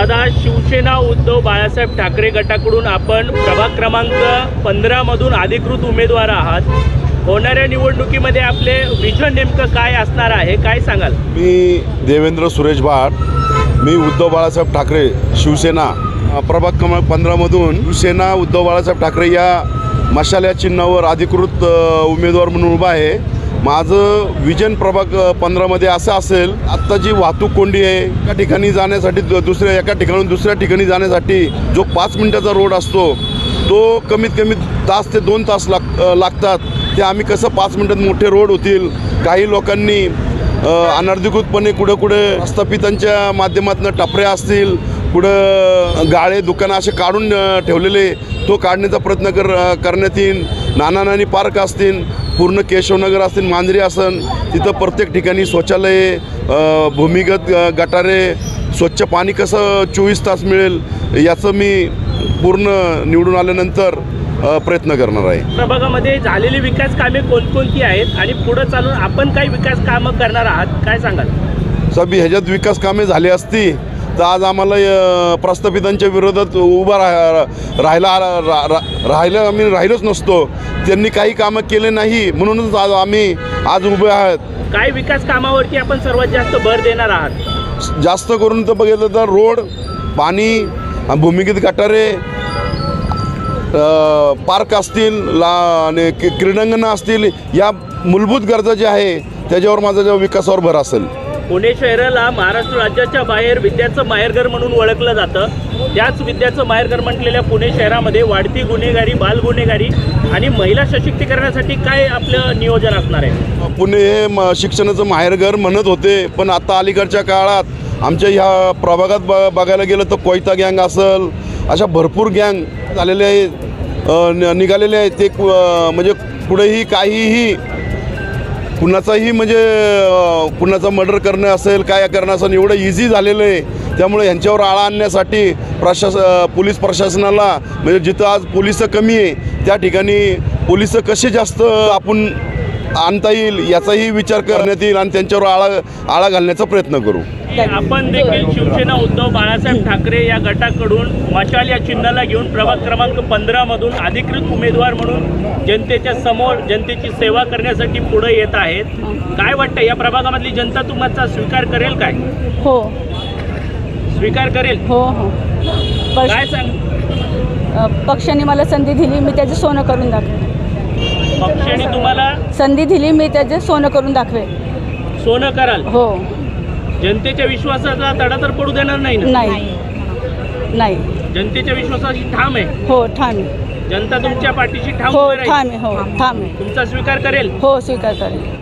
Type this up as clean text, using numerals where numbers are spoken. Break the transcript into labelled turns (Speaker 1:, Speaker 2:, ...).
Speaker 1: दादा, शिवसेना उद्धव बाळासाहेब ठाकरे गटाकडून आपण प्रभाग क्रमांक 15 मधून अधिकृत उमेदवार आहात. होणाऱ्या निवडणुकीमध्ये आपले विजन नेमकं काय असणार आहे, काय सांगाल?
Speaker 2: मी देवेंद्र सुरेश भाट, मी उद्धव बाळासाहेब ठाकरे शिवसेना प्रभाग क्रमांक 15 मधून शिवसेना उद्धव बाळासाहेब ठाकरे या मशाल या चिन्हावर अधिकृत उमेदवार म्हणून उभा आहे. माझं विजन प्रभाग 15 मध्ये असं असेल, आत्ता जी वाहतूक कोंडी आहे, एका ठिकाणी जाण्यासाठी एका ठिकाणून दुसऱ्या ठिकाणी जाण्यासाठी जो 5 मिनिटाचा रोड असतो तो कमीत कमी तास ते 2 तास लागतात. ते आम्ही कसं 5 मिनिटात मोठे रोड होतील. काही लोकांनी अनधिकृतपणे कुठे प्रस्थापितांच्या माध्यमातून टपऱ्या असतील, कुठं गाळे दुकानं असे काढून ठेवलेले, तो काढण्याचा प्रयत्न करण्यात येईल. नाना पार्क असतील, पूर्ण केशवनगर असतील, मांजरी असेल, तिथं प्रत्येक ठिकाणी शौचालये, भूमिगत गटारे, स्वच्छ पाणी कसं 24 तास मिळेल याचं मी पूर्ण निवडून आल्यानंतर प्रयत्न करणार आहे.
Speaker 1: प्रभागामध्ये झालेली विकास कामे कोणकोणती आहेत आणि पुढे चालून आपण काही विकास कामं करणार आहात, काय सांगाल?
Speaker 2: साहेब, ह्याच्यात विकास कामे झाली असती तर आज आम्हाला प्रस्थापितांच्या विरोधात उभा आम्ही राहिलोच नसतो. त्यांनी काही कामं केले नाही म्हणूनच आम्ही आज उभे आहात.
Speaker 1: काय विकास कामावरती आपण सर्वात जास्त भर देणार आहात?
Speaker 2: जास्त करून तर बघितलं तर रोड, पाणी, भूमिगत गटारे, पार्क असतील आणि क्रीडांगणं असतील, या मूलभूत गरजा ज्या आहे त्याच्यावर माझा विकासावर भर असेल.
Speaker 1: पुणे शहराला महाराष्ट्र राज्याच्या बाहेर विद्याचं माहेरघर म्हणून ओळखलं जातं. त्याच विद्याचं माहेरघर म्हटलेल्या पुणे शहरामध्ये वाढती गुन्हेगारी, बाल गुन्हेगारी आणि महिला सशक्तीकरणासाठी काय आपलं नियोजन असणार आहे?
Speaker 2: पुणे हे शिक्षणाचं माहेरघर म्हणत होते, पण आता अलीकडच्या काळात आमच्या ह्या प्रभागात बघायला गेलं तर कोयता गँग असेल, अशा भरपूर गँग झालेले आहेत, निघालेले आहेत. ते म्हणजे पुढेही काहीही कुणाचाही म्हणजे कुणाचा मर्डर करणं असेल, काय करणं असेल, एवढं इझी झालेलं आहे. त्यामुळे यांच्यावर आळा आणण्यासाठी पोलीस प्रशासनाला, म्हणजे जिथं आज पोलिस कमी आहे त्या ठिकाणी पोलिस कसे जास्त आपण आणता येईल याचाही विचार करण्यात येईल आणि त्यांच्यावर आळा घालण्याचा प्रयत्न करू.
Speaker 1: आपण देखील शिवसेना उद्धव बाळासाहेब ठाकरे या गटाकडून मशाल या चिन्हाला घेऊन प्रभाग क्रमांक 15 मधून अधिकृत उमेदवार म्हणून जनतेच्या समोर जनतेची सेवा करण्यासाठी पुढे येत आहेत. काय वाटतं, या प्रभागामधली जनता तुमचा स्वीकार करेल? काय
Speaker 3: हो,
Speaker 1: स्वीकार करेल?
Speaker 3: हो हो.
Speaker 1: काय सांग?
Speaker 3: पक्षाने मला संधी दिली, मी त्याचे सोनं करून दाखवे.
Speaker 1: पक्षाने तुम्हाला
Speaker 3: संधी दिली, मी त्याचे सोनं करून दाखवे.
Speaker 1: सोनं कराल?
Speaker 3: हो.
Speaker 1: जनतेच्या विश्वासाचा तडा तर पडू देणार नाही ना?
Speaker 3: नाही.
Speaker 1: जनतेच्या विश्वासाची ठाम आहे?
Speaker 3: हो, ठाम आहे.
Speaker 1: जनता तुमच्या पाठीशी ठाम
Speaker 3: हो,
Speaker 1: उभी राहील?
Speaker 3: ठाम आहे. हो, ठाम आहे.
Speaker 1: तुमचा स्वीकार करेल?
Speaker 3: हो, स्वीकार करेल.